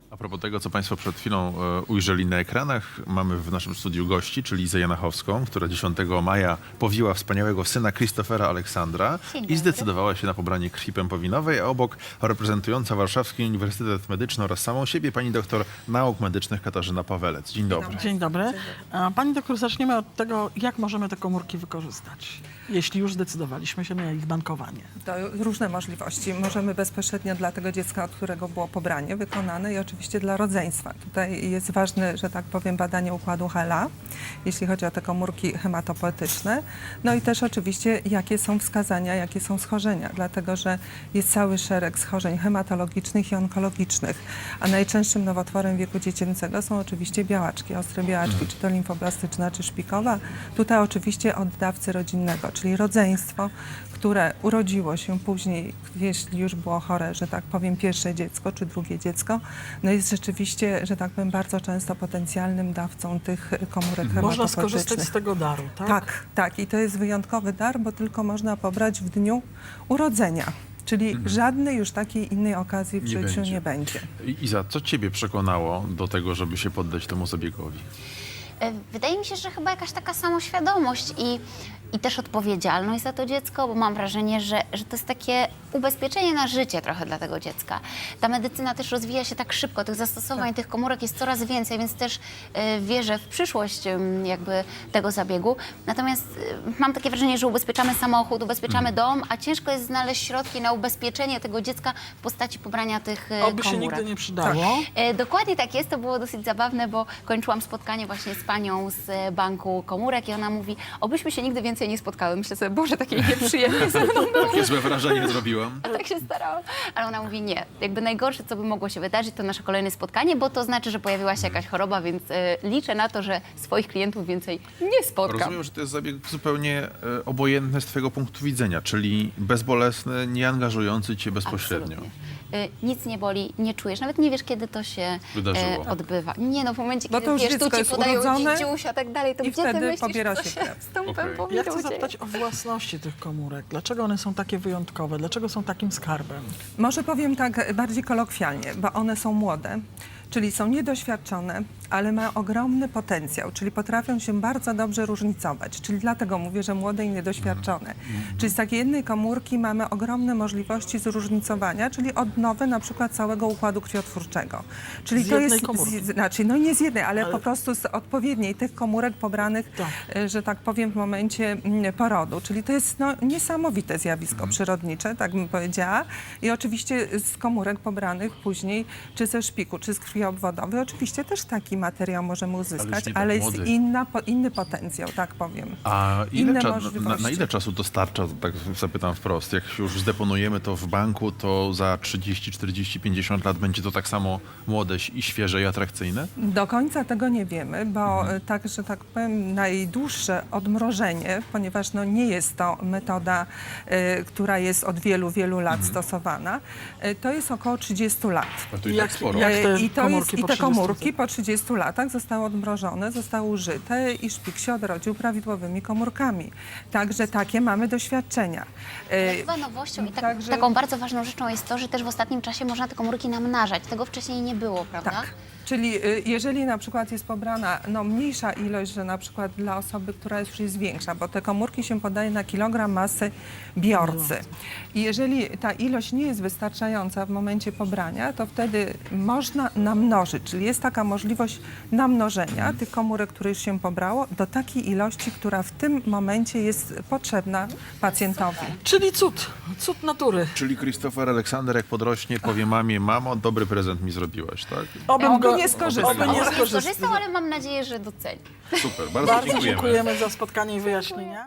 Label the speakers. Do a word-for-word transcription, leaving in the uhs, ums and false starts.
Speaker 1: A propos tego, co Państwo przed chwilą e, ujrzeli na ekranach, mamy w naszym studiu gości, czyli Izę Janachowską, która dziesiątego maja powiła wspaniałego syna Christophera Aleksandra
Speaker 2: Dzień
Speaker 1: i
Speaker 2: dobry.
Speaker 1: zdecydowała się na pobranie krwi pępowinowej, a obok reprezentująca Warszawski Uniwersytet Medyczny oraz samą siebie pani doktor nauk medycznych Katarzyna Pawelec. Dzień dobry.
Speaker 3: Dzień dobry. A Pani doktor, zaczniemy od tego, jak możemy te komórki wykorzystać, jeśli już zdecydowaliśmy się na ich bankowanie.
Speaker 4: To różne możliwości. Możemy bezpośrednio dla tego dziecka, od którego było pobranie wykonane i oczywiście dla rodzeństwa. Tutaj jest ważne, że tak powiem, badanie układu Hela, jeśli chodzi o te komórki hematopoetyczne. No i też oczywiście, jakie są wskazania, jakie są schorzenia, dlatego że jest cały szereg schorzeń hematologicznych i onkologicznych, a najczęstszym nowotworem wieku dziecięcego są oczywiście białaczki, ostre białaczki, czy to limfoblastyczna, czy szpikowa. Tutaj oczywiście od dawcy rodzinnego, czyli rodzeństwo, które urodziło się później, jeśli już było chore, że tak powiem, pierwsze dziecko czy drugie dziecko, no jest rzeczywiście, że tak powiem, bardzo często potencjalnym dawcą tych komórek
Speaker 3: Można
Speaker 4: hematopoetycznych.
Speaker 3: skorzystać z tego daru, tak?
Speaker 4: Tak, tak. I to jest wyjątkowy dar, bo tylko można pobrać w dniu urodzenia. Czyli żadnej już takiej innej okazji w
Speaker 1: Nie
Speaker 4: życiu
Speaker 1: będzie.
Speaker 4: nie będzie.
Speaker 1: I- Iza, co ciebie przekonało do tego, żeby się poddać temu zabiegowi?
Speaker 2: E, Wydaje mi się, że chyba jakaś taka samoświadomość i, i też odpowiedzialność za to dziecko, bo mam wrażenie, że, że to jest takie ubezpieczenie na życie trochę dla tego dziecka. Ta medycyna też rozwija się tak szybko, tych zastosowań, tych komórek jest coraz więcej, więc też e, wierzę w przyszłość em, jakby tego zabiegu. Natomiast e, mam takie wrażenie, że ubezpieczamy samochód, ubezpieczamy dom, a ciężko jest znaleźć środki na ubezpieczenie tego dziecka w postaci pobrania tych e,
Speaker 3: Oby się
Speaker 2: komórek.
Speaker 3: nigdy nie przydało.
Speaker 2: E, Dokładnie tak jest, to było dosyć zabawne, bo kończyłam spotkanie właśnie z panią z e, banku komórek i ona mówi, obyśmy się nigdy więcej nie spotkały. Myślę sobie, Boże, takie nieprzyjemne ze mną było.
Speaker 1: Takie złe wrażenie zrobiłam.
Speaker 2: A tak się starałam. Ale ona mówi, nie, jakby najgorsze, co by mogło się wydarzyć, to nasze kolejne spotkanie, bo to znaczy, że pojawiła się jakaś choroba, więc e, liczę na to, że swoich klientów więcej nie spotkam.
Speaker 1: Rozumiem, że to jest zabieg zupełnie e, obojętny z twojego punktu widzenia, czyli bezbolesny, nie angażujący cię bezpośrednio.
Speaker 2: Absolutnie. E, Nic nie boli, nie czujesz, nawet nie wiesz, kiedy to się
Speaker 1: Wydarzyło.
Speaker 2: e, odbywa. Nie no, w momencie,
Speaker 4: Bo
Speaker 2: kiedy
Speaker 4: to już
Speaker 2: wiesz, tu
Speaker 4: dziecko
Speaker 2: ci
Speaker 4: jest
Speaker 2: podają
Speaker 4: urodzone
Speaker 2: dziusia, tak dalej, to
Speaker 4: i
Speaker 2: gdzie ty
Speaker 4: wtedy
Speaker 2: myślisz,
Speaker 4: pobiera
Speaker 2: co
Speaker 4: się
Speaker 2: się
Speaker 4: krew.
Speaker 2: z tą
Speaker 1: Okej.
Speaker 2: pępowiną
Speaker 3: Ja chcę
Speaker 2: dzieje?
Speaker 3: zapytać o własności tych komórek. Dlaczego one są takie wyjątkowe? Dlaczego są takim skarbem?
Speaker 4: Może powiem tak bardziej kolokwialnie, bo one są młode, czyli są niedoświadczone, ale mają ogromny potencjał, czyli potrafią się bardzo dobrze różnicować. Czyli dlatego mówię, że młode i niedoświadczone. Czyli z takiej jednej komórki mamy ogromne możliwości zróżnicowania, czyli odnowy na przykład całego układu krwiotwórczego. Czyli
Speaker 3: Z
Speaker 4: to
Speaker 3: jednej
Speaker 4: jest,
Speaker 3: komórki.
Speaker 4: z, znaczy, no nie z jednej, ale,
Speaker 3: Ale-
Speaker 4: po prostu z odpowiedniej tych komórek pobranych,
Speaker 3: Tak.
Speaker 4: e, że tak powiem, w momencie mm, porodu. Czyli to jest no, niesamowite zjawisko przyrodnicze, tak bym powiedziała. I oczywiście z komórek pobranych później, czy ze szpiku, czy z krwi obwodowej, oczywiście też taki materiał możemy uzyskać,
Speaker 1: nie tak
Speaker 4: ale jest
Speaker 1: młody.
Speaker 4: inna, po, inny potencjał, tak powiem.
Speaker 1: A ile
Speaker 4: Inne
Speaker 1: cza- na,
Speaker 4: możliwości.
Speaker 1: na ile czasu to starcza, tak zapytam wprost? Jak się już zdeponujemy to w banku, to za trzydzieści, czterdzieści, pięćdziesiąt lat będzie to tak samo młode i świeże i atrakcyjne?
Speaker 4: Do końca tego nie wiemy, bo e, tak, że tak powiem, najdłuższe odmrożenie, ponieważ no, nie jest to metoda, e, która jest od wielu, wielu lat stosowana, e, to jest około trzydziestu lat.
Speaker 1: A to i
Speaker 3: Jak-
Speaker 1: tak sporo.
Speaker 3: jak-
Speaker 4: E,
Speaker 3: te
Speaker 4: I, to
Speaker 3: komórki
Speaker 4: jest,
Speaker 3: po
Speaker 4: I te
Speaker 3: trzydziestu
Speaker 4: komórki po trzydziestu latach zostały odmrożone, zostały użyte i szpik się odrodził prawidłowymi komórkami. Także takie mamy doświadczenia. E,
Speaker 2: Chyba nowością i tak,
Speaker 4: Także-
Speaker 2: taką bardzo ważną rzeczą jest to, że też w ostatnim czasie można te komórki namnażać. Tego wcześniej nie było, prawda?
Speaker 4: Tak. Czyli y, jeżeli na przykład jest pobrana no, mniejsza ilość, że na przykład dla osoby, która już jest większa, bo te komórki się podaje na kilogram masy biorcy. I jeżeli ta ilość nie jest wystarczająca w momencie pobrania, to wtedy można namnożyć, czyli jest taka możliwość namnożenia tych komórek, które już się pobrało, do takiej ilości, która w tym momencie jest potrzebna pacjentowi.
Speaker 3: Czyli cud, cud natury.
Speaker 1: Czyli Christopher Aleksander, jak podrośnie, powie mamie, mamo, dobry prezent mi zrobiłaś, tak?
Speaker 3: Obym
Speaker 4: Oby
Speaker 3: go-
Speaker 4: nie skorzystał.
Speaker 3: Oby nie
Speaker 2: Nie
Speaker 3: skorzystał.
Speaker 2: skorzystał, ale mam nadzieję, że doceni.
Speaker 1: Super, bardzo,
Speaker 3: Bardzo
Speaker 1: dziękujemy.
Speaker 3: dziękujemy za spotkanie i wyjaśnienie.